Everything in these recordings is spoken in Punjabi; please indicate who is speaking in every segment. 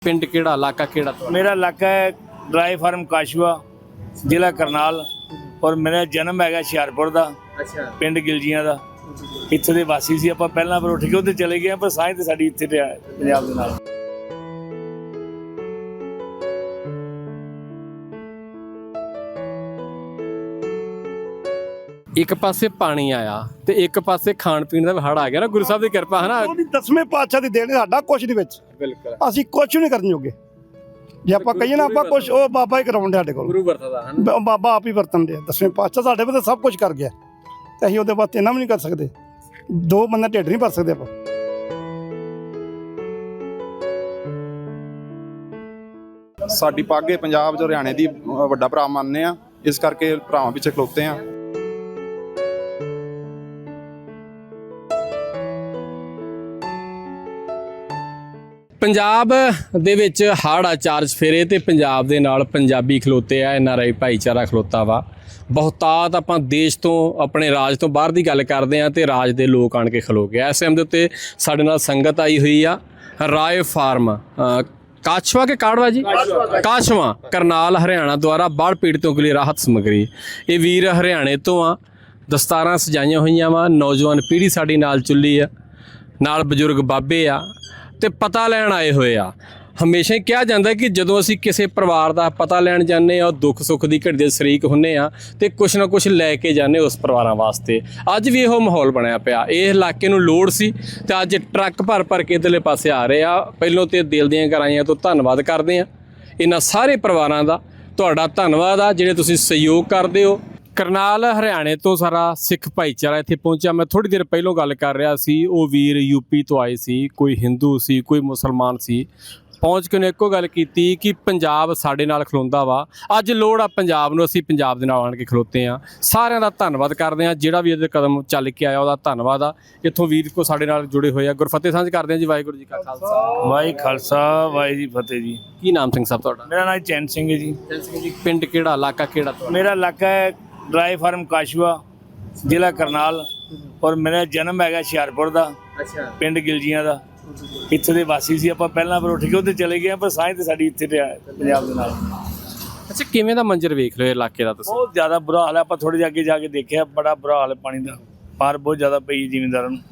Speaker 1: पिंड केड़ा इलाका केड़ा?
Speaker 2: मेरा इलाका है ड्राई फार्म काशवा, जिला करनाल, और मेरा जन्म है हुशियारपुर का।
Speaker 1: अच्छा,
Speaker 2: पिंड गिलजियां का। इत्थे दे वासी सी आपां पहलां, पर उठ के उत्थे चले गए, पर साईं ते साडी इत्थे ते पंजाब दे नाल।
Speaker 1: एक पासे पानी आया ते एक पासे खाण पीण दा हड़ आ गया ना। गुरु साहब दी किरपा है ना।
Speaker 3: ਉਹਦੀ 10ਵੇਂ ਪਾਤਸ਼ਾਹ ਦੀ ਦੇਣ ਸਾਡਾ ਕੁਝ ਨਹੀਂ ਵਿੱਚ।
Speaker 1: बिल्कुल
Speaker 3: ਅਸੀਂ ਕੁਝ ਨਹੀਂ ਕਰਨ ਜੋਗੇ। ਜੇ ਆਪਾਂ ਕਹੀਏ ਨਾ ਆਪਾਂ ਕੁਝ, ਉਹ ਬਾਬਾ ਹੀ ਕਰਾਉਂਦੇ ਸਾਡੇ ਕੋਲ।
Speaker 1: गुरु वरतदा है ना।
Speaker 3: ਬਾਬਾ ਆਪ ਹੀ ਵਰਤਨ ਦੇ 10ਵੇਂ ਪਾਤਸ਼ਾਹ ਸਾਡੇ ਕੋਲ ਸਭ ਕੁਝ ਕਰ ਗਿਆ, ਤੇ ਅਸੀਂ ਉਹਦੇ ਵਾਸਤੇ ਇਹਨਾਂ ਵੀ ਨਹੀਂ ਕਰ ਸਕਦੇ। ਦੋ ਬੰਦੇ ਢਿੱਡ ਨਹੀਂ ਭਰ ਸਕਦੇ ਆਪਾਂ।
Speaker 4: ਸਾਡੀ ਪੱਗ ਹੈ ਪੰਜਾਬ ਜੋ ਹਰਿਆਣੇ ਦੀ ਵੱਡਾ ਭਰਾ ਮੰਨਦੇ ਆ, ਇਸ ਕਰਕੇ ਭਰਾਵਾਂ ਪਿੱਛੇ ਖਲੋਤੇ ਆ।
Speaker 1: ਪੰਜਾਬ ਦੇ ਵਿੱਚ ਹੜ੍ਹ ਆ ਚਾਰ ਚਫੇਰੇ ਤੇ ਪੰਜਾਬ ਦੇ ਨਾਲ ਪੰਜਾਬੀ ਖਲੋਤੇ ਆ, NRI ਭਾਈਚਾਰਾ ਖਲੋਤਾ ਵਾ। ਬਹੁਤਾਤ ਆਪਾਂ ਦੇਸ਼ ਤੋਂ, ਆਪਣੇ ਰਾਜ ਤੋਂ ਬਾਹਰ ਦੀ ਗੱਲ ਕਰਦੇ ਆ ਤੇ ਰਾਜ ਦੇ ਲੋਕ ਆਣ ਕੇ ਖਲੋ ਗਏ। ਇਸ ਟਾਈਮ ਦੇ ਉੱਤੇ ਸਾਡੇ ਨਾਲ ਸੰਗਤ ਆਈ ਹੋਈ ਆ। ਰਾਏ ਫਾਰਮ ਕਾਸ਼ਵਾ ਕੇ ਕਾੜਵਾ ਜੀ, ਕਾਸ਼ਵਾ ਕਰਨਾਲ ਹਰਿਆਣਾ ਦੁਆਰਾ ਬਾੜ ਪੀੜਤੋਂ ਕੇ ਲਈ ਰਾਹਤ ਸਮੱਗਰੀ। ਇਹ ਵੀਰ ਹਰਿਆਣੇ ਤੋਂ ਆ, ਦਸਤਾਰਾਂ ਸਜਾਈਆਂ ਹੋਈਆਂ ਵਾ। ਨੌਜਵਾਨ ਪੀੜ੍ਹੀ ਸਾਡੀ ਨਾਲ ਚੁੱਲੀ ਆ, ਨਾਲ ਬਜ਼ੁਰਗ ਬਾਬੇ ਆ ਤੇ ਪਤਾ ਲੈਣ ਆਏ ਹੋਏ ਆ। ਹਮੇਸ਼ਾ ਹੀ ਕਿਹਾ ਜਾਂਦਾ ਕਿ ਜਦੋਂ ਅਸੀਂ ਕਿਸੇ ਪਰਿਵਾਰ ਦਾ ਪਤਾ ਲੈਣ ਜਾਂਦੇ ਆ, ਦੁੱਖ ਸੁੱਖ ਦੀ ਘੜੀ ਦੇ ਸ਼ਰੀਕ ਹੁੰਨੇ ਆ ਤੇ ਕੁਛ ਨਾ ਕੁਛ ਲੈ ਕੇ ਜਾਂਦੇ ਉਸ ਪਰਿਵਾਰਾਂ ਵਾਸਤੇ। ਅੱਜ ਵੀ ਇਹੋ ਮਾਹੌਲ ਬਣਿਆ ਪਿਆ। ਇਹ ਇਲਾਕੇ ਨੂੰ ਲੋੜ ਸੀ ਤੇ ਅੱਜ ਟਰੱਕ ਭਰ ਭਰ ਕੇ ਇੱਧਰਲੇ ਪਾਸੇ ਆ ਰਹੇ ਆ। ਪਹਿਲੋਂ ਤੇ ਦਿਲ ਦੀਆਂ ਗਹਿਰਾਈਆਂ ਤੋਂ ਧੰਨਵਾਦ ਕਰਦੇ ਆ ਇਹਨਾਂ ਸਾਰੇ ਪਰਿਵਾਰਾਂ ਦਾ। ਤੁਹਾਡਾ ਧੰਨਵਾਦ ਆ ਜਿਹੜੇ ਤੁਸੀਂ ਸਹਿਯੋਗ ਕਰਦੇ ਹੋ। ਕਰਨਾਲ ਹਰਿਆਣੇ ਤੋਂ ਸਾਰਾ ਸਿੱਖ ਭਾਈਚਾਰਾ ਇੱਥੇ ਪਹੁੰਚਿਆ। ਮੈਂ ਥੋੜ੍ਹੀ ਦੇਰ ਪਹਿਲੋਂ ਗੱਲ ਕਰ ਰਿਹਾ ਸੀ, ਉਹ ਵੀਰ ਯੂਪੀ ਤੋਂ ਆਏ ਸੀ, ਕੋਈ ਹਿੰਦੂ ਸੀ, ਕੋਈ ਮੁਸਲਮਾਨ ਸੀ। ਪਹੁੰਚ ਕੇ ਉਹਨੇ ਇੱਕੋ ਗੱਲ ਕੀਤੀ ਕਿ ਪੰਜਾਬ ਸਾਡੇ ਨਾਲ ਖਲੋਂਦਾ ਵਾ। ਅੱਜ ਲੋੜ ਆ ਪੰਜਾਬ ਨੂੰ, ਅਸੀਂ ਪੰਜਾਬ ਦੇ ਨਾਲ ਆਣ ਕੇ ਖਲੋਤੇ ਆ। ਸਾਰਿਆਂ ਦਾ ਧੰਨਵਾਦ ਕਰਦੇ ਆ। ਜਿਹੜਾ ਵੀ ਇਹਦੇ ਕਦਮ ਚੱਲ ਕੇ ਆਇਆ ਉਹਦਾ ਧੰਨਵਾਦ ਆ। ਇੱਥੋਂ ਵੀਰ ਕੋ ਸਾਡੇ ਨਾਲ ਜੁੜੇ ਹੋਏ ਆ। ਗੁਰਫਤਿਹ ਸਾਂਝ ਕਰਦੇ ਆ ਜੀ। ਵਾਹਿਗੁਰੂ ਜੀ ਕਾ ਖਾਲਸਾ,
Speaker 2: ਵਾਹਿ ਖਾਲਸਾ, ਵਾਹਿ ਜੀ ਫਤਿਹ ਜੀ।
Speaker 1: ਕੀ ਨਾਮ ਸਿੰਘ ਸਾਹਿਬ ਤੁਹਾਡਾ?
Speaker 2: मेरा नाम चैन सिंह है जी।
Speaker 1: ਜੀ ਪਿੰਡ ਕਿਹੜਾ ਇਲਾਕਾ ਕਿਹੜਾ?
Speaker 2: मेरा इलाका है ड्राई फार्म काशवा, जिला करनाल, और मेरा जन्म है हुशियारपुर का।
Speaker 1: ਅੱਛਾ,
Speaker 2: पिंड गिलजियां का। ਇੱਥੇ ਦੇ ਵਾਸੀ ਸੀ ਆਪਾਂ ਪਹਿਲਾਂ, ਪਰ ਉੱਠ ਕੇ ਉੱਥੇ ਚਲੇ ਗਏ, ਪਰ ਸਾਈਂ ਤੇ ਸਾਡੀ ਇੱਥੇ ਤੇ ਪੰਜਾਬ ਦੇ ਨਾਲ।
Speaker 1: ਅੱਛਾ, ਕਿਵੇਂ ਦਾ ਮੰਜ਼ਰ ਵੇਖ ਰਹੇ ਹੋ ਇਲਾਕੇ ਦਾ ਤੁਸੀਂ?
Speaker 2: ਬਹੁਤ ਜ਼ਿਆਦਾ ਬੁਰਾ ਹਾਲ ਹੈ। ਆਪਾਂ ਥੋੜੇ ਜਿਹੇ ਅੱਗੇ ਜਾ ਕੇ ਦੇਖਿਆ, ਬੜਾ ਬੁਰਾ ਹਾਲ ਹੈ ਪਾਣੀ ਦਾ। ਪਾਰ ਬਹੁਤ ਜ਼ਿਆਦਾ ਪਈ ਜ਼ਿਮੀਂਦਾਰਾਂ ਨੂੰ।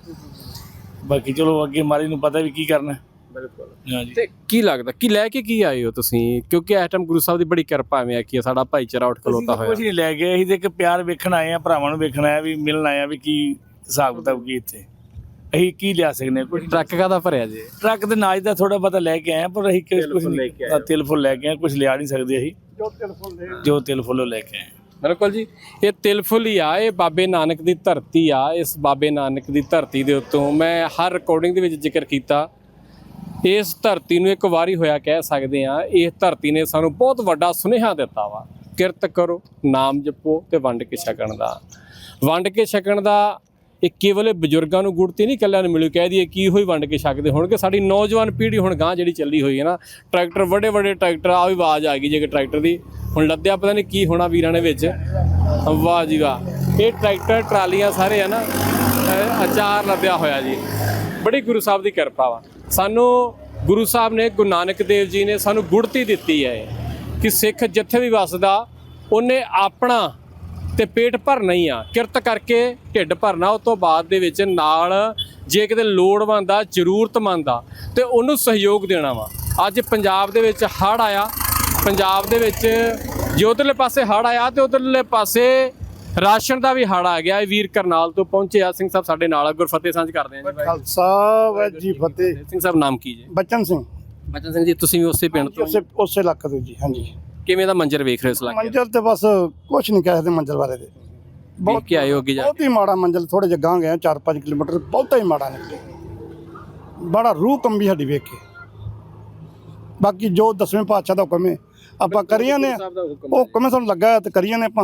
Speaker 2: ਬਾਕੀ ਚਲੋ ਅੱਗੇ ਮਾਰੀ ਨੂੰ ਪਤਾ ਵੀ ਕੀ ਕਰਨਾ।
Speaker 1: ਬਿਲਕੁਲ।
Speaker 2: ਹਾਂਜੀ,
Speaker 1: ਤੇ ਕੀ ਲੱਗਦਾ ਕੀ ਲੈ ਕੇ ਕੀ ਆਏ ਹੋ ਤੁਸੀਂ? ਕਿਉਂਕਿ ਇਸ ਟਾਈਮ ਗੁਰੂ ਸਾਹਿਬ ਦੀ ਬੜੀ ਕਿਰਪਾ ਐਵੇਂ ਆ ਕਿ ਸਾਡਾ ਭਾਈਚਾਰਾ ਉੱਠ ਖਲੋਤਾ ਹੋਇਆ।
Speaker 2: ਕੁਝ ਨਹੀਂ ਲੈ ਗਏ, ਅਸੀਂ ਤੇ ਇੱਕ ਪਿਆਰ ਵੇਖਣ ਆਏ ਆ, ਭਰਾਵਾਂ ਨੂੰ ਵੇਖਣ ਆਏ, ਵੀ ਮਿਲਣ ਆਏ ਆ ਵੀ ਕੀ ਹਿਸਾਬ ਕਿਤਾਬ ਕੀ ਇੱਥੇ। ਅਸੀਂ ਕੀ ਲਿਆ ਸਕਦੇ ਕੁਝ?
Speaker 1: ਟਰੱਕ ਕਾਹਦਾ ਭਰਿਆ ਜੀ?
Speaker 2: ਟਰੱਕ ਦੇ ਨਾਜ ਦਾ ਥੋੜਾ ਬਹੁਤਾ ਲੈ ਕੇ ਆਏ ਆ, ਪਰ ਅਸੀਂ ਕੁਝ ਨਹੀਂ, ਤਿਲ ਫੁੱਲ ਲੈ ਕੇ ਆਏ, ਕੁਝ ਲਿਆ ਨਹੀਂ ਸਕਦੇ ਅਸੀਂ। ਜੋ ਤਿਲ ਫੁੱਲ ਲੈ ਕੇ ਆਏ।
Speaker 1: ਬਿਲਕੁਲ ਜੀ, ਇਹ ਤਿਲ ਫੁੱਲ ਹੀ ਆ। ਇਹ ਬਾਬੇ ਨਾਨਕ ਦੀ ਧਰਤੀ ਆ। ਇਸ ਬਾਬੇ ਨਾਨਕ ਦੀ ਧਰਤੀ ਦੇ ਉੱਤੋਂ ਮੈਂ ਹਰ ਰਿਕਾਰਡਿੰਗ ਦੇ ਵਿੱਚ ਜ਼ਿਕਰ ਕੀਤਾ, ਇਸ ਧਰਤੀ ਨੂੰ ਇੱਕ ਵਾਰੀ ਹੋਇਆ ਕਹਿ ਸਕਦੇ ਆ। ਇਸ ਧਰਤੀ ਨੇ ਸਾਨੂੰ ਬਹੁਤ ਵੱਡਾ ਸੁਨੇਹਾ ਦਿੱਤਾ ਵਾ, ਕਿਰਤ ਕਰੋ, ਨਾਮ ਜਪੋ ਤੇ ਵੰਡ ਕੇ ਛਕਣ ਦਾ। ਵੰਡ ਕੇ ਛਕਣ ਦਾ ਇਹ ਕੇਵਲ ਬਜ਼ੁਰਗਾਂ ਨੂੰ ਗੁੜਤੀ ਨਹੀਂ, ਇਕੱਲਿਆਂ ਨੂੰ ਮਿਲੂ ਕਹਿ ਦਈਏ ਕੀ ਹੋਈ ਵੰਡ ਕੇ ਛਕਦੇ ਹੋਣਗੇ। ਸਾਡੀ ਨੌਜਵਾਨ ਪੀੜ੍ਹੀ ਹੁਣ ਗਾਂ ਜਿਹੜੀ ਚੱਲੀ ਹੋਈ ਹੈ ਨਾ, ਟਰੈਕਟਰ ਵੱਡੇ ਵੱਡੇ ਟਰੈਕਟਰ, ਆ ਵੀ ਆਵਾਜ਼ ਆ ਗਈ ਜੇ ਕਿ ਟਰੈਕਟਰ ਦੀ ਹੁਣ ਲੱਦਿਆ, ਪਤਾ ਨਹੀਂ ਕੀ ਹੋਣਾ ਵੀਰਾਂ ਨੇ ਵਿੱਚ। ਵਾਹ ਜੀ ਵਾਹ, ਇਹ ਟਰੈਕਟਰ ਟਰਾਲੀਆਂ ਸਾਰੇ ਆ ਨਾ, ਅਚਾਰ ਲੱਦਿਆ ਹੋਇਆ ਜੀ। ਬੜੀ ਗੁਰੂ ਸਾਹਿਬ ਦੀ ਕਿਰਪਾ ਵਾ। ਸਾਨੂੰ ਗੁਰੂ ਸਾਹਿਬ ਨੇ, ਗੁਰੂ ਨਾਨਕ ਦੇਵ ਜੀ ਨੇ ਸਾਨੂੰ ਗੁੜਤੀ ਦਿੱਤੀ ਹੈ ਕਿ ਸਿੱਖ ਜਿੱਥੇ ਵੀ ਵੱਸਦਾ ਉਹਨੇ ਆਪਣਾ ਤੇ ਪੇਟ ਭਰਨਾ ਹੀ ਆ, ਕਿਰਤ ਕਰਕੇ ਢਿੱਡ ਭਰਨਾ। ਉਸ ਤੋਂ ਬਾਅਦ ਦੇ ਵਿੱਚ ਨਾਲ ਜੇ ਕਿਤੇ ਲੋੜਵੰਦ ਆ, ਜ਼ਰੂਰਤਮੰਦ ਆ, ਤੇ ਉਹਨੂੰ ਸਹਿਯੋਗ ਦੇਣਾ ਵਾ। ਅੱਜ ਪੰਜਾਬ ਦੇ ਵਿੱਚ ਹੜ੍ਹ ਆਇਆ, ਪੰਜਾਬ ਦੇ ਵਿੱਚ ਜੇ ਉੱਧਰਲੇ ਪਾਸੇ ਹੜ੍ਹ ਆਇਆ ਤੇ ਉੱਧਰਲੇ ਪਾਸੇ ਰਾਸ਼ਨ ਦਾ ਵੀ ਹੜ੍ਹ ਆ ਗਿਆ। ਇਹ ਵੀਰ ਕਰਨਾਲ ਤੋਂ ਪਹੁੰਚੇ ਆ। ਸਿੰਘ ਸਾਹਿਬ ਸਾਡੇ ਨਾਲ। ਗੁਰਫਤਿਹ ਸਾਂਝ ਕਰਦੇ ਆ ਜੀ।
Speaker 3: ਖਾਲਸਾ, ਵਾਹਿਗੁਰੂ ਜੀ ਫਤਿਹ।
Speaker 1: ਸਿੰਘ ਸਾਹਿਬ ਨਾਮ ਕੀ ਜੀ?
Speaker 3: ਬਚਨ ਸਿੰਘ।
Speaker 1: ਬਚਨ ਸਿੰਘ ਜੀ, ਤੁਸੀਂ ਵੀ ਉਸੇ ਪਿੰਡ ਤੋਂ?
Speaker 3: ਉਸੇ ਇਲਾਕੇ ਤੋਂ ਜੀ। ਹਾਂਜੀ।
Speaker 1: ਕਿਵੇਂ ਦਾ ਮੰਜ਼ਰ ਵੇਖ ਰਹੇ ਹੋ ਇਸ ਇਲਾਕੇ?
Speaker 3: ਮੰਜ਼ਲ ਤੇ ਬਸ ਕੁਛ ਨਹੀਂ ਕਹਿ ਸਕਦੇ ਮੰਜ਼ਲ ਬਾਰੇ ਤੇ।
Speaker 1: ਬਹੁਤ ਕੀ ਆਏ ਹੋ ਅੱਗੇ ਜਾ?
Speaker 3: ਬਹੁਤ ਹੀ ਮਾੜਾ ਮੰਜ਼ਲ। ਥੋੜੇ ਜਿਹਾ ਗਾਂ ਗਏ 4-5 ਕਿਲੋਮੀਟਰ, ਬਹੁਤਾ ਹੀ ਮਾੜਾ ਨਿਕਲੇ। ਬੜਾ ਰੂਹ ਕੰਬੀ ਸਾਡੀ ਵੇਖ ਕੇ। ਬਾਕੀ ਜੋ 10ਵੇਂ ਪਾਤਸ਼ਾਹ ਦਾ ਹੁਕਮ ਹੈ ਆਪਾਂ ਕਰੀਆਂ ਨੇ, ਉਹ ਹੁਕਮ ਸਾਨੂੰ ਲੱਗਾ ਤੇ ਕਰੀਆਂ ਨੇ ਆਪਾਂ।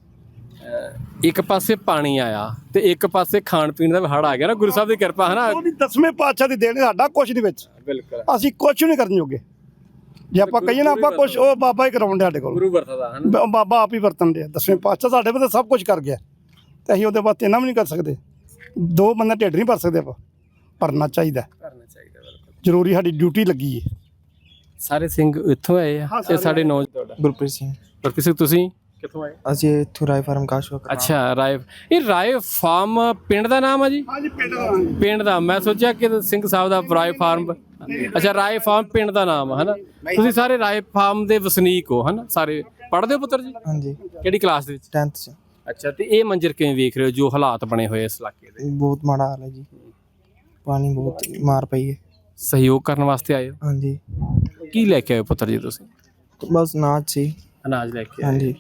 Speaker 1: ਇੱਕ ਪਾਸੇ ਪਾਣੀ ਆਇਆ ਤੇ ਇੱਕ ਪਾਸੇ ਖਾਣ ਪੀਣ ਦਾ ਹੜ ਆ ਗਿਆ ਨਾ। ਗੁਰੂ ਸਾਹਿਬ ਦੀ ਕਿਰਪਾ ਹੈ ਨਾ।
Speaker 3: ਉਹਦੀ 10ਵੇਂ ਪਾਤਸ਼ਾਹ ਦੀ ਦੇਣ ਸਾਡਾ ਕੁਝ ਨਹੀਂ ਵਿੱਚ।
Speaker 1: ਬਿਲਕੁਲ।
Speaker 3: ਅਸੀਂ ਕੁਝ ਨਹੀਂ ਕਰਨ ਜੋਗੇ। ਜੇ ਆਪਾਂ ਕਹੀਏ ਨਾ ਆਪਾਂ ਕੁਝ, ਉਹ ਬਾਬਾ ਹੀ ਕਰਾਉਂਦੇ ਸਾਡੇ ਕੋਲ।
Speaker 1: ਗੁਰੂ ਵਰਤਦਾ ਹੈ ਨਾ।
Speaker 3: ਬਾਬਾ ਆਪ ਹੀ ਵਰਤਨ ਦੇ 10ਵੇਂ ਪਾਤਸ਼ਾਹ ਸਾਡੇ ਕੋਲ ਸਭ ਕੁਝ ਕਰ ਗਿਆ, ਤੇ ਅਸੀਂ ਉਹਦੇ ਵਾਸਤੇ ਇਹਨਾਂ ਵੀ ਨਹੀਂ ਕਰ ਸਕਦੇ। ਦੋ ਬੰਦੇ ਢਿੱਡ ਨਹੀਂ ਭਰ ਸਕਦੇ ਆਪਾਂ। ਭਰਨਾ ਚਾਹੀਦਾ,
Speaker 1: ਕਰਨਾ ਚਾਹੀਦਾ। ਬਿਲਕੁਲ
Speaker 3: ਜ਼ਰੂਰੀ, ਸਾਡੀ ਡਿਊਟੀ ਲੱਗੀ ਹੈ।
Speaker 1: ਸਾਰੇ ਸਿੰਘ ਇੱਥੋਂ ਆਏ ਆ ਇਹ ਸਾਡੇ ਨੌ ਤੁਹਾਡਾ
Speaker 5: ਗੁਰਪ੍ਰੀਤ ਸਿੰਘ
Speaker 1: ਗੁਰਪ੍ਰੀਤ ਸਿੰਘ ਤੁਸੀਂ ਕਿੱਥੋਂ ਆਏ?
Speaker 5: ਅਸੀਂ ਇੱਥੋਂ ਰਾਏ ਫਾਰਮ ਕਾਸ਼ਵਾ
Speaker 1: ਅੱਛਾ ਰਾਏ ਇਹ ਰਾਏ ਫਾਰਮ ਪਿੰਡ ਦਾ ਨਾਮ ਆ ਜੀ?
Speaker 3: ਹਾਂਜੀ ਪਿੰਡ ਦਾ
Speaker 1: ਪਿੰਡ ਦਾ ਮੈਂ ਸੋਚਿਆ ਕਿ ਸਿੰਘ ਸਾਹਿਬ ਦਾ ਰਾਏ ਫਾਰਮ ਅੱਛਾ ਰਾਏ ਫਾਰਮ ਪਿੰਡ ਦਾ ਨਾਮ ਹੈ ਨਾ ਤੁਸੀਂ ਸਾਰੇ ਰਾਏ ਫਾਰਮ ਦੇ ਵਸਨੀਕ ਹੋ ਹਨਾ ਸਾਰੇ ਪੜ੍ਹਦੇ ਹੋ ਪੁੱਤਰ ਜੀ
Speaker 5: ਹਾਂਜੀ
Speaker 1: ਕਿਹੜੀ ਕਲਾਸ ਦੇ ਵਿੱਚ
Speaker 5: 10th ਚ
Speaker 1: ਅੱਛਾ ਤੇ ਇਹ ਮੰਜ਼ਰ ਕਿਵੇਂ ਵੇਖ ਰਹੇ ਹੋ ਜੋ ਹਾਲਾਤ ਬਣੇ ਹੋਏ ਇਸ ਇਲਾਕੇ ਦੇ
Speaker 5: ਬਹੁਤ ਮਾੜਾ ਹਾਲ ਹੈ ਜੀ ਪਾਣੀ ਬਹੁਤ ਮਾਰ ਪਈ ਹੈ
Speaker 1: ਸਹਿਯੋਗ ਕਰਨ ਵਾਸਤੇ ਆਏ ਹੋ
Speaker 5: ਹਾਂਜੀ
Speaker 1: ਕੀ ਲੈ ਕੇ ਆਏ ਹੋ ਪੁੱਤਰ ਜੀ ਤੁਸੀਂ
Speaker 5: ਬਸ ਨਾਚ ਸੀ
Speaker 1: ਅਨਾਜ ਲੈ ਕੇ ਆਏ
Speaker 5: ਹਾਂਜੀ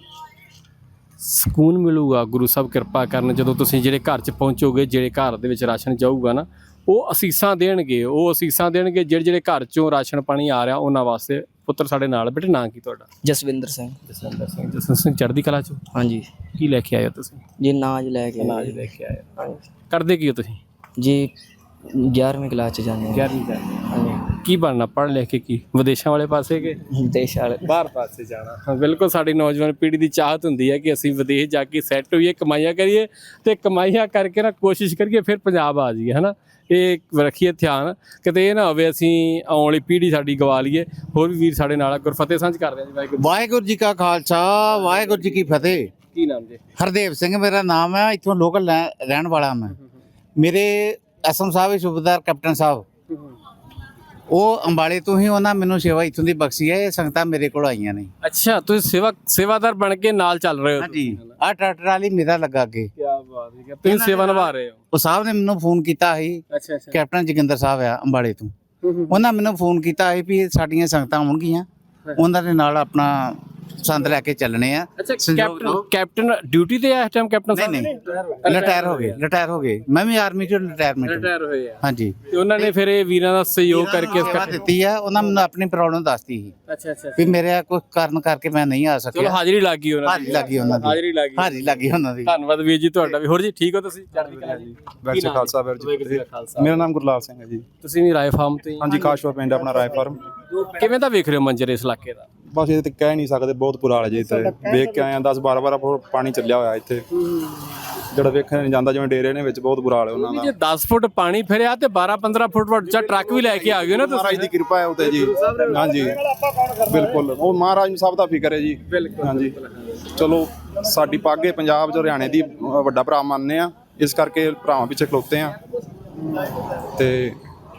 Speaker 1: ਸਕੂਨ ਮਿਲੂਗਾ ਗੁਰੂ ਸਾਹਿਬ ਕਿਰਪਾ ਕਰਨ ਜਦੋਂ ਤੁਸੀਂ ਜਿਹੜੇ ਘਰ 'ਚ ਪਹੁੰਚੋਗੇ ਜਿਹੜੇ ਘਰ ਦੇ ਵਿੱਚ ਰਾਸ਼ਨ ਜਾਊਗਾ ਨਾ ਉਹ ਅਸੀਸਾਂ ਦੇਣਗੇ ਜਿਹੜੇ ਜਿਹੜੇ ਘਰ 'ਚੋਂ ਰਾਸ਼ਨ ਪਾਣੀ ਆ ਰਿਹਾ ਉਹਨਾਂ ਵਾਸਤੇ ਪੁੱਤਰ ਸਾਡੇ ਨਾਲ ਬੇਟੇ ਨਾਂ ਕੀ ਤੁਹਾਡਾ?
Speaker 6: ਜਸਵਿੰਦਰ ਸਿੰਘ
Speaker 1: ਜਸਵਿੰਦਰ ਸਿੰਘ ਚੜ੍ਹਦੀ ਕਲਾ 'ਚੋਂ
Speaker 6: ਹਾਂਜੀ
Speaker 1: ਕੀ ਲੈ ਕੇ ਆਏ ਹੋ ਤੁਸੀਂ?
Speaker 6: ਜੀ ਨਾਜ ਲੈ ਕੇ
Speaker 1: ਅਨਾਜ ਲੈ ਕੇ ਆਏ ਹੋ ਕਰਦੇ ਕੀ ਹੋ ਤੁਸੀਂ?
Speaker 6: ਜੀ 11ਵੀਂ ਕਲਾਸ ਚ ਜਾਂਦੇ ਹਾਂ
Speaker 1: 11ਵੀਂ
Speaker 6: ਹਾਂਜੀ
Speaker 1: ਕੀ ਬਣਨਾ ਪੜ੍ਹ ਲਿਖ ਕੇ ਕੀ ਵਿਦੇਸ਼ਾਂ ਵਾਲੇ ਪਾਸੇ ਕਿ
Speaker 6: ਦੇਸ਼ ਵਾਲੇ
Speaker 1: ਬਾਹਰ ਪਾਸੇ ਜਾਣਾ? ਹਾਂ ਬਿਲਕੁਲ ਸਾਡੀ ਨੌਜਵਾਨ ਪੀੜ੍ਹੀ ਦੀ ਚਾਹਤ ਹੁੰਦੀ ਹੈ ਕਿ ਅਸੀਂ ਵਿਦੇਸ਼ ਜਾ ਕੇ ਸੈੱਟ ਹੋਈਏ ਕਮਾਈਆਂ ਕਰੀਏ ਤੇ ਕਮਾਈਆਂ ਕਰਕੇ ਨਾ ਕੋਸ਼ਿਸ਼ ਕਰੀਏ ਫਿਰ ਪੰਜਾਬ ਆ ਜਾਈਏ ਹੈ ਨਾ ਇਹ ਰੱਖੀਏ ਧਿਆਨ ਕਿਤੇ ਇਹ ਨਾ ਹੋਵੇ ਅਸੀਂ ਆਉਣ ਵਾਲੀ ਪੀੜ੍ਹੀ ਸਾਡੀ ਗਵਾ ਲਈਏ। ਹੋਰ ਵੀ ਵੀਰ ਸਾਡੇ ਨਾਲ ਆ, ਗੁਰਫਤਿਹ ਸਾਂਝ ਕਰਦੇ ਹਾਂ ਜੀ ਵਾਹਿਗੁਰੂ।
Speaker 7: ਵਾਹਿਗੁਰੂ ਜੀ ਕਾ ਖਾਲਸਾ ਵਾਹਿਗੁਰੂ ਜੀ ਕੀ ਫਤਿਹ।
Speaker 1: ਕੀ ਨਾਮ ਜੀ?
Speaker 7: ਹਰਦੇਵ ਸਿੰਘ ਮੇਰਾ ਨਾਮ ਹੈ, ਇੱਥੋਂ ਲੋਕਲ ਰਹਿਣ ਵਾਲਾ ਮੈਂ। ਮੇਰੇ ਐਸਐਮ ਸਾਹਿਬ ਸੂਬੇਦਾਰ ਕੈਪਟਨ ਸਾਹਿਬ ਉਹ ਅੰਬਾਲੇ ਤੋਂ ਹੀ ਉਹਨਾਂ ਮੈਨੂੰ ਸੇਵਾ ਇੱਥੋਂ ਦੀ ਬਖਸ਼ੀ ਹੈ। ਇਹ ਸੰਗਤਾਂ ਮੇਰੇ ਕੋਲ ਆਈਆਂ ਨੇ।
Speaker 1: ਅੱਛਾ ਤੁਸੀਂ ਸੇਵਾਦਾਰ ਬਣ ਕੇ ਨਾਲ ਚੱਲ ਰਹੇ ਹੋ?
Speaker 7: ਹਾਂਜੀ ਆਹ ਟਰੈਕਟਰ ਵਾਲੀ ਮੇਰਾ ਲੱਗਾ ਅੱਗੇ।
Speaker 1: ਕੀ ਬਾਤ ਹੈ ਤੁਸੀਂ ਸੇਵਾ ਨਿਭਾ ਰਹੇ ਹੋ।
Speaker 7: ਉਹ ਸਾਹਿਬ ਨੇ ਮੈਨੂੰ ਫੋਨ ਕੀਤਾ ਸੀ,
Speaker 1: ਅੱਛਾ ਅੱਛਾ
Speaker 7: ਕੈਪਟਨ ਜੋਗਿੰਦਰ ਸਾਹਿਬ ਆ ਅੰਬਾਲੇ ਤੋਂ। ਉਹਨਾਂ ਮੈਨੂੰ ਫੋਨ ਕੀਤਾ ਸੀ ਵੀ ਸਾਡੀਆਂ ਸੰਗਤਾਂ ਆਉਣਗੀਆਂ, ਉਹਨਾਂ ਦੇ ਨਾਲ ਆਪਣਾ ਸੰਦ ਲੈ ਕੇ ਚੱਲਣੇ ਆ।
Speaker 1: ਅੱਛਾ ਕੈਪਟਨ ਡਿਊਟੀ ਤੇ ਆ ਇਸ ਟਾਈਮ ਕੈਪਟਨ ਸਾਹਿਬ?
Speaker 7: ਨਹੀਂ ਰਿਟਾਇਰ ਹੋ ਗਏ ਮੈਂ ਵੀ ਆਰਮੀ ਚੋਂ ਰਿਟਾਇਰ
Speaker 1: ਹੋਏ ਆ।
Speaker 7: ਹਾਂਜੀ
Speaker 1: ਤੇ ਉਹਨਾਂ ਨੇ ਫਿਰ ਇਹ ਵੀਰਾਂ ਦਾ ਸਹਿਯੋਗ ਕਰਕੇ
Speaker 7: ਸੇਵਾ ਦਿੱਤੀ ਆ। ਉਹਨਾਂ ਮੈਨੂੰ ਆਪਣੀ ਪ੍ਰੋਬਲਮ ਦੱਸਤੀ ਸੀ
Speaker 1: ਅੱਛਾ ਅੱਛਾ
Speaker 7: ਵੀ ਮੇਰੇ ਕੋਈ ਕਾਰਨ ਕਰਕੇ ਮੈਂ ਨਹੀਂ ਆ
Speaker 1: ਚਲੋ
Speaker 7: ਸਕਿਆ।
Speaker 1: ਹਾਜ਼ਰੀ ਲੱਗ ਗਈ ਉਹਨਾਂ ਦੀ।
Speaker 7: ਹਾਜ਼ਰੀ ਲੱਗੀ ਉਹਨਾਂ ਦੀ। ਹਾਜ਼ਰੀ ਲੱਗੀ ਉਹਨਾਂ ਦੀ।
Speaker 1: ਧੰਨਵਾਦ ਵੀਰ ਜੀ ਤੁਹਾਡਾ ਵੀ। ਹੋਰ ਜੀ ਠੀਕ ਹੋ ਤੁਸੀਂ? ਚੜ੍ਹਦੀ ਕਲਾ ਜੀ।
Speaker 4: ਵੈਸੇ ਖਾਲਸਾ ਵੀਰ ਜੀ।
Speaker 1: ਖਾਲਸਾ।
Speaker 4: ਮੇਰਾ ਨਾਮ ਗੁਰਲਾਲ ਸਿੰਘ ਹੈ ਜੀ।
Speaker 1: ਤੁਸੀਂ ਵੀ ਰਾਏ ਫਾਰਮ ਤੇ?
Speaker 4: ਹਾਂਜੀ ਕਾਸ਼ਵਾ ਪਿੰਡ ਆਪਣਾ ਰਾਏ ਫਾਰਮ।
Speaker 1: ਕਿਵੇਂ ਦਾ ਵੇਖ ਰਹੇ ਹੋ ਮੰਜ਼ਰ ਇਸ ਇਲਾਕੇ ਦਾ?
Speaker 4: ਬਸ ਇਹ ਤੇ ਕਹਿ ਨਹੀਂ ਸਕਦੇ, ਬਹੁਤ ਬੁਰਾ ਹਾਲ ਹੈ ਜੀ ਇੱਥੇ। ਵੇਖ ਕੇ ਆਏ ਆ 10-12 ਫੁੱਟ ਪਾਣੀ ਚੱਲਿਆ ਹੋਇਆ ਇੱਥੇ, ਜਿਹੜਾ ਵੇਖਣ ਨਹੀਂ ਜਾਂਦਾ। ਜਿਵੇਂ ਡੇਰੇ ਨੇ ਵਿੱਚ ਬਹੁਤ ਬੁਰਾ ਹਾਲ ਹੈ ਉਹਨਾਂ ਦਾ।
Speaker 1: ਜੇ 10 ਫੁੱਟ ਪਾਣੀ ਫਿਰਿਆ ਤੇ 12-15 ਫੁੱਟ ਵੱਡਾ ਟਰੱਕ ਵੀ ਲੈ ਕੇ ਆ ਗਏ ਨਾ
Speaker 4: ਮਹਾਰਾਜ
Speaker 1: ਤੁਸੀਂ।
Speaker 4: ਦੀ ਕਿਰਪਾ ਹੈ ਉਤੇ ਜੀ। ਹਾਂਜੀ ਬਿਲਕੁਲ ਉਹ ਮਹਾਰਾਜ ਨੂੰ ਸਭ ਦਾ ਫਿਕਰ ਹੈ ਜੀ। ਹਾਂਜੀ ਚਲੋ ਸਾਡੀ ਪੱਗ ਹੈ ਪੰਜਾਬ ਚ ਹਰਿਆਣੇ ਦੀ ਵੱਡਾ ਭਰਾ ਮੰਨਦੇ ਆ, ਇਸ ਕਰਕੇ ਭਰਾਵਾਂ ਪਿੱਛੇ ਖਲੋਤੇ ਆ। ਤੇ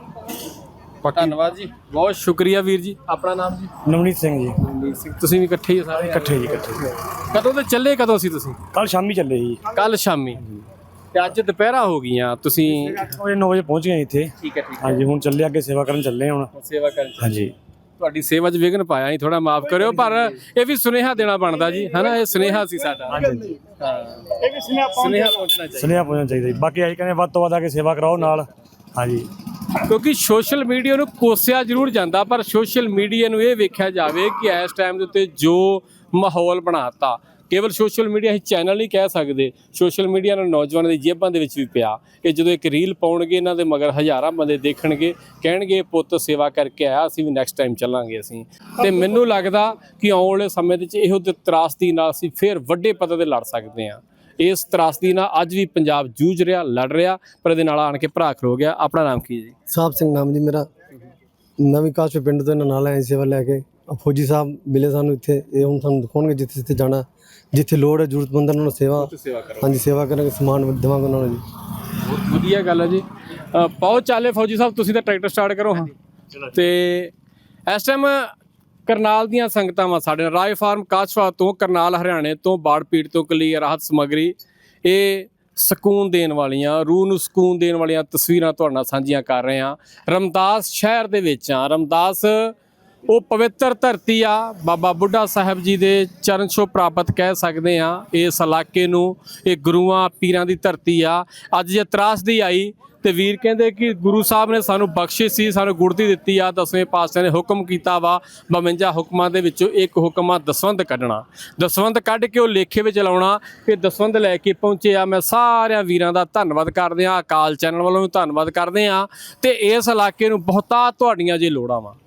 Speaker 1: ਧੰਨਵਾਦ ਜੀ, ਬਹੁਤ ਸ਼ੁਕਰੀਆ ਵੀਰ ਜੀ। ਆਪਣਾ ਨਾਮ ਜੀ?
Speaker 2: ਨਵਨੀਤ ਸਿੰਘ ਜੀ।
Speaker 1: ਨਵਨੀਤ ਸਿੰਘ। ਤੁਸੀਂ ਵੀ ਇਕੱਠੇ ਹੀ ਹੋ ਸਾਰੇ?
Speaker 2: ਇਕੱਠੇ ਜੀ
Speaker 1: ਕਦੋਂ ਤੇ ਚੱਲੇ ਕਦੋਂ ਸੀ ਤੁਸੀਂ?
Speaker 2: ਕੱਲ ਸ਼ਾਮੀ ਚੱਲੇ ਜੀ।
Speaker 1: ਕੱਲ ਸ਼ਾਮੀ ਤੇ ਅੱਜ ਦੁਪਹਿਰਾ ਹੋ ਗਈਆਂ ਤੁਸੀਂ?
Speaker 2: 9 ਵਜੇ ਪਹੁੰਚ ਗਏ ਇੱਥੇ।
Speaker 1: ਠੀਕ ਹੈ
Speaker 2: ਹਾਂਜੀ ਹੁਣ ਚੱਲੇ ਅੱਗੇ ਸੇਵਾ ਕਰਨ ਚੱਲੇ ਹੁਣ।
Speaker 1: ਸੇਵਾ ਕਰਨ
Speaker 2: ਹਾਂਜੀ
Speaker 1: ਤੁਹਾਡੀ ਸੇਵਾ 'ਚ ਵਿਘਨ ਪਾਇਆ ਹੀ, ਥੋੜਾ ਮਾਫ ਕਰਿਓ, ਪਰ ਇਹ ਵੀ ਸੁਨੇਹਾ ਦੇਣਾ ਬਣਦਾ ਜੀ ਹੈ ਨਾ। ਇਹ ਸੁਨੇਹਾ ਸੀ ਸਾਡਾ। ਹਾਂ ਇਹ ਵੀ ਸੁਨੇਹਾ ਪਹੁੰਚਣਾ ਚਾਹੀਦਾ।
Speaker 2: ਸੁਨੇਹਾ ਪਹੁੰਚਣਾ ਚਾਹੀਦਾ ਜੀ। ਬਾਕੀ ਆਹੀ ਕਹਿੰਦੇ ਵੱਧ ਤੋਂ ਵੱਧ ਆ ਕੇ ਸੇਵਾ ਕਰਾਓ ਨਾਲ। ਹਾਂਜੀ
Speaker 1: ਕਿਉਂਕਿ ਸੋਸ਼ਲ ਮੀਡੀਆ ਨੂੰ ਕੋਸਿਆ ਜ਼ਰੂਰ ਜਾਂਦਾ, ਪਰ ਸੋਸ਼ਲ ਮੀਡੀਆ ਨੂੰ ਇਹ ਵੇਖਿਆ ਜਾਵੇ ਕਿ ਇਸ ਟਾਈਮ ਦੇ ਉੱਤੇ ਜੋ ਮਾਹੌਲ ਬਣਾਤਾ, ਕੇਵਲ ਸੋਸ਼ਲ ਮੀਡੀਆ ਹੀ ਚੈਨਲ ਨਹੀਂ ਕਹਿ ਸਕਦੇ, ਸੋਸ਼ਲ ਮੀਡੀਆ ਨਾਲ ਨੌਜਵਾਨਾਂ ਦੀ ਜੇਬਾਂ ਦੇ ਵਿੱਚ ਵੀ ਪਿਆ। ਕਿ ਜਦੋਂ ਇੱਕ ਰੀਲ ਪਾਉਣਗੇ ਇਹਨਾਂ ਦੇ ਮਗਰ ਹਜ਼ਾਰਾਂ ਬੰਦੇ ਦੇਖਣਗੇ, ਕਹਿਣਗੇ ਪੁੱਤ ਸੇਵਾ ਕਰਕੇ ਆਇਆ, ਅਸੀਂ ਵੀ ਨੈਕਸਟ ਟਾਈਮ ਚੱਲਾਂਗੇ ਅਸੀਂ। ਤੇ ਮੈਨੂੰ ਲੱਗਦਾ ਕਿ ਆਉਣ ਵਾਲੇ ਸਮੇਂ ਦੇ ਵਿੱਚ ਇਹੋ ਜਿਹੀ ਤਰਾਸਦੀ ਨਾਲ ਅਸੀਂ ਫਿਰ ਵੱਡੇ ਪੱਧਰ ਤੇ ਲੜ ਸਕਦੇ ਹਾਂ। ਇਸ ਤਰਾਸਦੀ ਨਾਲ ਅੱਜ ਵੀ ਪੰਜਾਬ ਜੂਝ ਰਿਹਾ, ਲੜ ਰਿਹਾ, ਪਰ ਇਹਦੇ ਨਾਲ ਆਣ ਕੇ ਭਰਾ ਖਲੋ ਗਿਆ। ਆਪਣਾ ਨਾਮ ਕੀ ਜੀ?
Speaker 8: ਸਾਹਿਬ ਸਿੰਘ ਨਾਮ ਜੀ ਮੇਰਾ। ਨਵੀਂ ਕਾਸ਼ਵਾ ਪਿੰਡ ਤੋਂ ਇਹਨਾਂ ਨਾਲ ਆਏ ਸੇਵਾ ਲੈ ਕੇ। ਫੌਜੀ ਸਾਹਿਬ ਮਿਲੇ ਸਾਨੂੰ ਇੱਥੇ, ਇਹ ਹੁਣ ਸਾਨੂੰ ਦਿਖਾਉਣਗੇ ਜਿੱਥੇ ਜਿੱਥੇ ਜਾਣਾ, ਜਿੱਥੇ ਲੋੜ ਹੈ ਜ਼ਰੂਰਤਮੰਦਾਂ ਨੂੰ ਸੇਵਾ। ਹਾਂਜੀ ਸੇਵਾ ਕਰਾਂਗੇ, ਸਮਾਨ ਦੇਵਾਂਗੇ ਉਹਨਾਂ ਨੂੰ ਜੀ।
Speaker 1: ਬਹੁਤ ਵਧੀਆ ਗੱਲ ਹੈ ਜੀ। ਪਾਓ ਚਾਲੇ ਫੌਜੀ ਸਾਹਿਬ, ਤੁਸੀਂ ਤਾਂ ਟਰੈਕਟਰ ਸਟਾਰਟ ਕਰੋ। ਹਾਂ ਤੇ ਇਸ ਟਾਈਮ ਕਰਨਾਲ ਦੀਆਂ ਸੰਗਤਾਂ ਵਾ ਸਾਡੇ ਨਾਲ, ਰਾਏ ਫਾਰਮ ਕਾਸ਼ਵਾ ਤੋਂ, ਕਰਨਾਲ ਹਰਿਆਣੇ ਤੋਂ, ਬਾੜ ਪੀੜ ਤੋਂ ਕਲੀ ਰਾਹਤ ਸਮੱਗਰੀ, ਇਹ ਸਕੂਨ ਦੇਣ ਵਾਲੀਆਂ, ਰੂਹ ਨੂੰ ਸਕੂਨ ਦੇਣ ਵਾਲੀਆਂ ਤਸਵੀਰਾਂ ਤੁਹਾਡੇ ਨਾਲ ਸਾਂਝੀਆਂ ਕਰ ਰਹੇ ਹਾਂ। ਰਮਦਾਸ ਸ਼ਹਿਰ ਦੇ ਵਿੱਚ ਆ। ਰਮਦਾਸ ਉਹ ਪਵਿੱਤਰ ਧਰਤੀ ਆ, ਬਾਬਾ ਬੁੱਢਾ ਸਾਹਿਬ ਜੀ ਦੇ ਚਰਨ ਛੋਹ ਪ੍ਰਾਪਤ ਕਹਿ ਸਕਦੇ ਆ ਇਸ ਇਲਾਕੇ ਨੂੰ। ਇਹ ਗੁਰੂਆਂ ਪੀਰਾਂ ਦੀ ਧਰਤੀ ਆ। ਅੱਜ ਜੇ ਤਰਾਸਦੀ ਆਈ ਤੇ ਵੀਰ ਕਹਿੰਦੇ ਕਿ ਗੁਰੂ ਸਾਹਿਬ ਨੇ ਸਾਨੂੰ ਬਖਸ਼ਿਸ਼ ਸੀ, ਸਾਨੂੰ ਗੁੜਤੀ ਦਿੱਤੀ ਆ। 10ਵੇਂ ਪਾਤਸ਼ਾਹ ਨੇ ਹੁਕਮ ਕੀਤਾ ਵਾ, 52 ਹੁਕਮਾਂ ਦੇ ਵਿੱਚੋਂ ਇੱਕ ਹੁਕਮ ਆ ਦਸਵੰਧ ਕੱਢਣਾ। ਦਸਵੰਧ ਕੱਢ ਕੇ ਉਹ ਲੇਖੇ ਵਿੱਚ ਲਾਉਣਾ। ਇਹ ਦਸਵੰਧ ਲੈ ਕੇ ਪਹੁੰਚੇ ਆ। ਮੈਂ ਸਾਰਿਆਂ ਵੀਰਾਂ ਦਾ ਧੰਨਵਾਦ ਕਰਦੇ ਆ, ਅਕਾਲ ਚੈਨਲ ਵੱਲੋਂ ਵੀ ਧੰਨਵਾਦ ਕਰਦੇ ਆ। ਤੇ ਇਸ ਇਲਾਕੇ ਨੂੰ ਬਹੁਤਾ ਤੁਹਾਡੀਆਂ ਜੇ ਲੋੜਾਂ ਵਾ,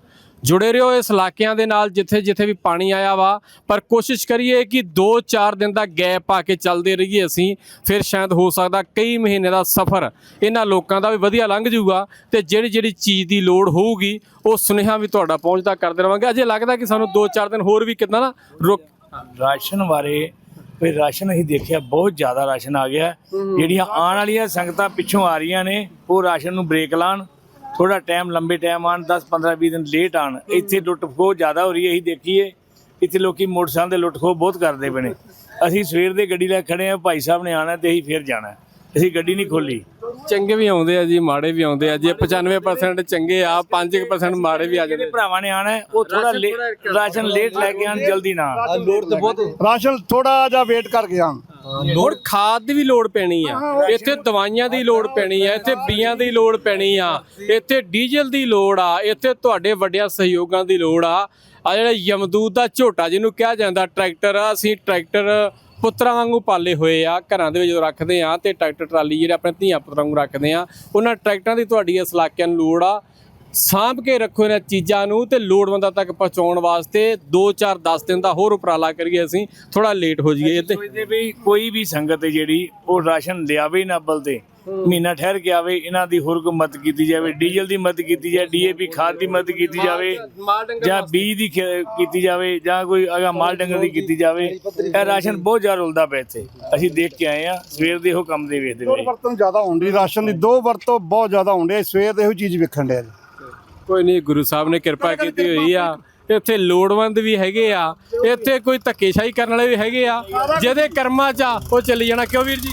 Speaker 1: ਜੁੜੇ ਰਹੋ ਇਸ ਇਲਾਕਿਆਂ ਦੇ ਨਾਲ ਜਿੱਥੇ ਜਿੱਥੇ ਵੀ ਪਾਣੀ ਆਇਆ ਵਾ, ਪਰ ਕੋਸ਼ਿਸ਼ ਕਰੀਏ ਕਿ 2-4 ਦਿਨ ਦਾ ਗੈਪ ਪਾ ਕੇ ਚੱਲਦੇ ਰਹੀਏ ਅਸੀਂ, ਫਿਰ ਸ਼ਾਇਦ ਹੋ ਸਕਦਾ ਕਈ ਮਹੀਨੇ ਦਾ ਸਫ਼ਰ ਇਹਨਾਂ ਲੋਕਾਂ ਦਾ ਵੀ ਵਧੀਆ ਲੰਘ ਜਾਊਗਾ ਤੇ ਜਿਹੜੀ ਜਿਹੜੀ ਚੀਜ਼ ਦੀ ਲੋੜ ਹੋਊਗੀ ਉਹ ਸੁਨੇਹਾ ਵੀ ਤੁਹਾਡਾ ਪਹੁੰਚਦਾ ਕਰਦੇ ਰਵਾਂਗੇ। ਅਜੇ ਲੱਗਦਾ ਕਿ ਸਾਨੂੰ 2-4 ਦਿਨ ਹੋਰ ਵੀ ਕਿੱਦਾਂ ਨਾ ਰੁਕ
Speaker 2: ਰਾਸ਼ਨ ਬਾਰੇ ਕੋਈ ਰਾਸ਼ਨ ਅਸੀਂ ਦੇਖਿਆ ਬਹੁਤ ਜ਼ਿਆਦਾ ਰਾਸ਼ਨ ਆ ਗਿਆ। ਜਿਹੜੀਆਂ ਆਉਣ ਵਾਲੀਆਂ ਸੰਗਤਾਂ ਪਿੱਛੋਂ ਆ ਰਹੀਆਂ ਨੇ ਉਹ ਰਾਸ਼ਨ ਨੂੰ ਬ੍ਰੇਕ ਲਾਉਣ, ਥੋੜਾ ਟਾਈਮ ਲੰਬੇ ਟਾਈਮ ਆਉਣ, 10-15-20 ਦਿਨ ਲੇਟ ਆਉਣ। ਇੱਥੇ ਲੁੱਟ ਖੋਹ ਜ਼ਿਆਦਾ ਹੋ ਰਹੀ ਹੈ, ਅਸੀਂ ਦੇਖੀਏ ਇੱਥੇ ਲੋਕੀ ਮੋਟਰਸਾਈਕਲ ਦੇ ਲੁੱਟ ਖੋਹ ਬਹੁਤ ਕਰਦੇ ਪਏ ਨੇ। ਅਸੀਂ ਸਵੇਰ ਦੇ ਗੱਡੀ ਲੈ ਖੜੇ ਆ, ਭਾਈ ਸਾਹਿਬ ਨੇ ਆਉਣਾ ਤੇ ਅਸੀਂ ਫਿਰ ਜਾਣਾ, ਅਸੀਂ ਗੱਡੀ ਨਹੀਂ ਖੋਲੀ।
Speaker 1: ਚੰਗੇ ਵੀ ਆਉਂਦੇ ਆ ਜੀ, ਮਾੜੇ ਵੀ ਆਉਂਦੇ ਆ। ਜੇ 95% ਚੰਗੇ ਆ, 5% ਮਾੜੇ ਵੀ ਆ ਜਾਂਦੇ।
Speaker 2: ਜਿਹੜੇ ਭਰਾਵਾਂ ਨੇ ਆਉਣਾ ਉਹ ਥੋੜਾ ਰਾਸ਼ਨ ਲੇਟ ਲੈ ਕੇ ਆਉਣ, ਜਲਦੀ ਨਾ ਆਉਣ।
Speaker 8: ਲੋੜ ਤੇ ਬਹੁਤ
Speaker 3: ਰਾਸ਼ਨ ਥੋੜਾ ਜਿਹਾ ਵੇਟ ਕਰ ਗਿਆ।
Speaker 1: ਲੋੜ ਖਾਦ ਦੀ ਵੀ ਲੋੜ ਪੈਣੀ ਆ, ਇੱਥੇ ਦਵਾਈਆਂ ਦੀ ਲੋੜ ਪੈਣੀ ਆ, ਇੱਥੇ ਬੀਆਂ ਦੀ ਲੋੜ ਪੈਣੀ ਆ, ਇੱਥੇ ਡੀਜ਼ਲ ਦੀ ਲੋੜ ਆ, ਇੱਥੇ ਤੁਹਾਡੇ ਵੱਡਿਆਂ ਸਹਿਯੋਗਾਂ ਦੀ ਲੋੜ ਆ। ਆ ਜਿਹੜਾ ਯਮਦੂਤ ਦਾ ਝੋਟਾ ਜਿਹਨੂੰ ਕਿਹਾ ਜਾਂਦਾ ਟਰੈਕਟਰ ਆ, ਅਸੀਂ ਟਰੈਕਟਰ ਪੁੱਤਰਾਂ ਵਾਂਗੂ ਪਾਲੇ ਹੋਏ ਆ। ਘਰਾਂ ਦੇ ਵਿੱਚ ਜਦੋਂ ਰੱਖਦੇ ਆ ਤੇ ਟਰੈਕਟਰ ਟਰਾਲੀ ਜਿਹੜੇ ਆਪਣੇ ਧੀਆਂ ਪੁੱਤਰਾਂ ਵਾਂਗੂ ਰੱਖਦੇ ਆ, ਉਹਨਾਂ ਟਰੈਕਟਰਾਂ ਦੀ ਤੁਹਾਡੀ ਇਸ ਇਲਾਕਿਆਂ ਨੂੰ ਲੋੜ ਆ। ਸਾਂਭ ਕੇ ਰੱਖੋ ਇਹਨਾਂ ਚੀਜ਼ਾਂ ਨੂੰ ਤੇ ਲੋੜਵੰਦਾਂ ਤੱਕ ਪਹੁੰਚਾਉਣ ਵਾਸਤੇ 2-4-10 ਦਿਨ ਦਾ ਹੋਰ ਉਪਰਾਲਾ ਕਰੀਏ, ਅਸੀਂ ਥੋੜਾ ਲੇਟ ਹੋ ਜਾਈਏ। ਤੇ
Speaker 2: ਸੋਚਦੇ ਵੀ ਕੋਈ ਵੀ ਸੰਗਤ ਹੈ ਜਿਹੜੀ ਉਹ ਰਾਸ਼ਨ ਲਿਆਵੇ ਨਾ ਬਲਦੇ, ਮਹੀਨਾ ਠਹਿਰ ਕੇ ਆਵੇ। ਇਹਨਾਂ ਦੀ ਹੋਰ ਕੋਈ ਮਦਦ ਕੀਤੀ ਜਾਵੇ, ਡੀਜ਼ਲ ਦੀ ਮਦਦ ਕੀਤੀ ਜਾਵੇ, DAP ਖਾਦ ਦੀ ਮਦਦ ਕੀਤੀ ਜਾਵੇ, ਜਾਂ ਬੀਜ ਦੀ ਕੀਤੀ ਜਾਵੇ, ਜਾਂ ਕੋਈ ਅਗਾ ਮਾਲ ਡੰਗਰ ਦੀ ਕੀਤੀ ਜਾਵੇ। ਇਹ ਰਾਸ਼ਨ ਬਹੁਤ ਜ਼ਿਆਦਾ ਰੁਲਦਾ ਪਿਆ ਇੱਥੇ, ਅਸੀਂ ਦੇਖ ਕੇ ਆਏ ਆ ਸਵੇਰ ਦੇ ਉਹ ਕੰਮ ਦੇ ਵੇਖਦੇ
Speaker 3: ਦੋ
Speaker 2: ਪਏ।
Speaker 3: ਵਰਤੋਂ ਜ਼ਿਆਦਾ ਹੁੰਦੀ ਰਾਸ਼ਨ ਦੀ, 2 ਵਰਤੋਂ ਬਹੁਤ ਜ਼ਿਆਦਾ ਹੁੰਦੀ। ਸਵੇਰ ਦੇ ਇਹੋ ਚੀਜ਼ ਵੇਖਣ ਡਿਆ।
Speaker 1: ਕੋਈ ਨਹੀਂ, ਗੁਰੂ ਸਾਹਿਬ ਨੇ ਕਿਰਪਾ ਕੀਤੀ ਹੋਈ ਆ। ਇੱਥੇ ਲੋੜਵੰਦ ਵੀ ਹੈਗੇ ਆ, ਇੱਥੇ ਕੋਈ ਧੱਕੇਸ਼ਾਹੀ ਕਰਨ ਵਾਲੇ ਵੀ ਹੈਗੇ ਆ। ਜਿਹਦੇ ਕਰਮਾਂ 'ਚ ਆ ਉਹ ਚੱਲੀ ਜਾਣਾ। ਕਿਉਂ ਵੀਰ ਜੀ?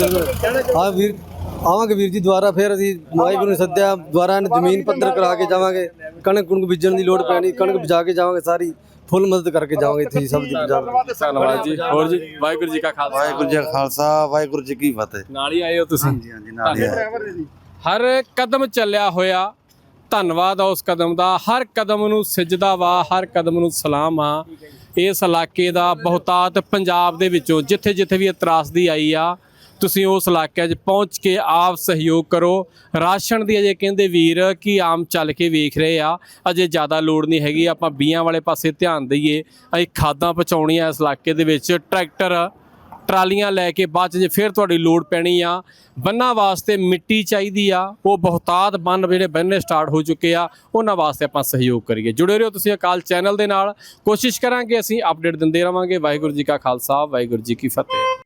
Speaker 8: ਹਾਂ ਵੀਰ, ਆਵਾਂਗੇ ਵੀਰ ਜੀ ਦੁਬਾਰਾ। ਫਿਰ ਅਸੀਂ ਵਾਹਿਗੁਰੂ ਨੇ ਸੱਦਿਆ, ਦੁਬਾਰਾ ਜ਼ਮੀਨ ਪੱਧਰ ਕਰਾ ਕੇ ਜਾਵਾਂਗੇ। ਕਣਕ ਕੁਣਕ ਬੀਜਣ ਦੀ ਲੋੜ ਪੈਣੀ, ਕਣਕ ਬੀਜਾ ਕੇ ਜਾਵਾਂਗੇ, ਸਾਰੀ ਫੁੱਲ ਮਦਦ ਕਰਕੇ ਜਾਵਾਂਗੇ ਇੱਥੇ ਜੀ, ਸਭ ਦੀ ਪੰਜਾਬ।
Speaker 1: ਧੰਨਵਾਦ ਜੀ। ਹੋਰ ਜੀ, ਵਾਹਿਗੁਰੂ ਜੀ ਕਾ ਖਾਲਸਾ,
Speaker 7: ਵਾਹਿਗੁਰੂ ਜੀ ਕਾ ਖਾਲਸਾ, ਵਾਹਿਗੁਰੂ ਜੀ ਕੀ ਫਤਿਹ।
Speaker 1: ਨਾਲ ਹੀ ਆਏ ਹੋ ਤੁਸੀਂ?
Speaker 7: ਹਾਂਜੀ ਨਾਲ ਹੀ
Speaker 1: ਹਰ ਕਦਮ ਚੱਲਿਆ ਹੋਇਆ ਧੰਨਵਾਦ ਆ ਉਸ ਕਦਮ ਦਾ। ਹਰ ਕਦਮ ਨੂੰ ਸਿਜਦਾ ਵਾ, ਹਰ ਕਦਮ ਨੂੰ ਸਲਾਮ ਆ। ਇਸ ਇਲਾਕੇ ਦਾ ਬਹੁਤਾਤ ਪੰਜਾਬ ਦੇ ਵਿੱਚੋਂ ਜਿੱਥੇ ਜਿੱਥੇ ਵੀ ਤਰਾਸਦੀ ਆਈ ਆ, ਤੁਸੀਂ ਉਸ ਇਲਾਕੇ 'ਚ ਪਹੁੰਚ ਕੇ ਆਪ ਸਹਿਯੋਗ ਕਰੋ। ਰਾਸ਼ਨ ਦੀ ਅਜੇ ਕਹਿੰਦੇ ਵੀਰ ਕਿ ਆਮ ਚੱਲ ਕੇ ਵੇਖ ਰਹੇ ਆ, ਅਜੇ ਜ਼ਿਆਦਾ ਲੋੜ ਨਹੀਂ ਹੈਗੀ। ਆਪਾਂ ਬੀਆਂ ਵਾਲੇ ਪਾਸੇ ਧਿਆਨ ਦਈਏ। ਅਸੀਂ ਖਾਦਾਂ ਪਹੁੰਚਾਉਣੀਆਂ ਇਸ ਇਲਾਕੇ ਦੇ ਵਿੱਚ, ਟਰੈਕਟਰ ਟਰਾਲੀਆਂ ਲੈ ਕੇ ਬਾਅਦ 'ਚ ਜੇ ਫਿਰ ਤੁਹਾਡੀ ਲੋੜ ਪੈਣੀ ਆ। ਬੰਨਾਂ ਵਾਸਤੇ ਮਿੱਟੀ ਚਾਹੀਦੀ ਆ, ਉਹ ਬਹੁਤਾਤ ਬੰਨ ਜਿਹੜੇ ਬੰਨੇ ਸਟਾਰਟ ਹੋ ਚੁੱਕੇ ਆ, ਉਹਨਾਂ ਵਾਸਤੇ ਆਪਾਂ ਸਹਿਯੋਗ ਕਰੀਏ। ਜੁੜੇ ਰਹੋ ਤੁਸੀਂ ਅਕਾਲ ਚੈਨਲ ਦੇ ਨਾਲ। ਕੋਸ਼ਿਸ਼ ਕਰਾਂਗੇ ਅਸੀਂ ਅਪਡੇਟ ਦਿੰਦੇ ਰਵਾਂਗੇ। ਵਾਹਿਗੁਰੂ ਜੀ ਕਾ ਖਾਲਸਾ, ਵਾਹਿਗੁਰੂ ਜੀ ਕੀ ਫਤਿਹ।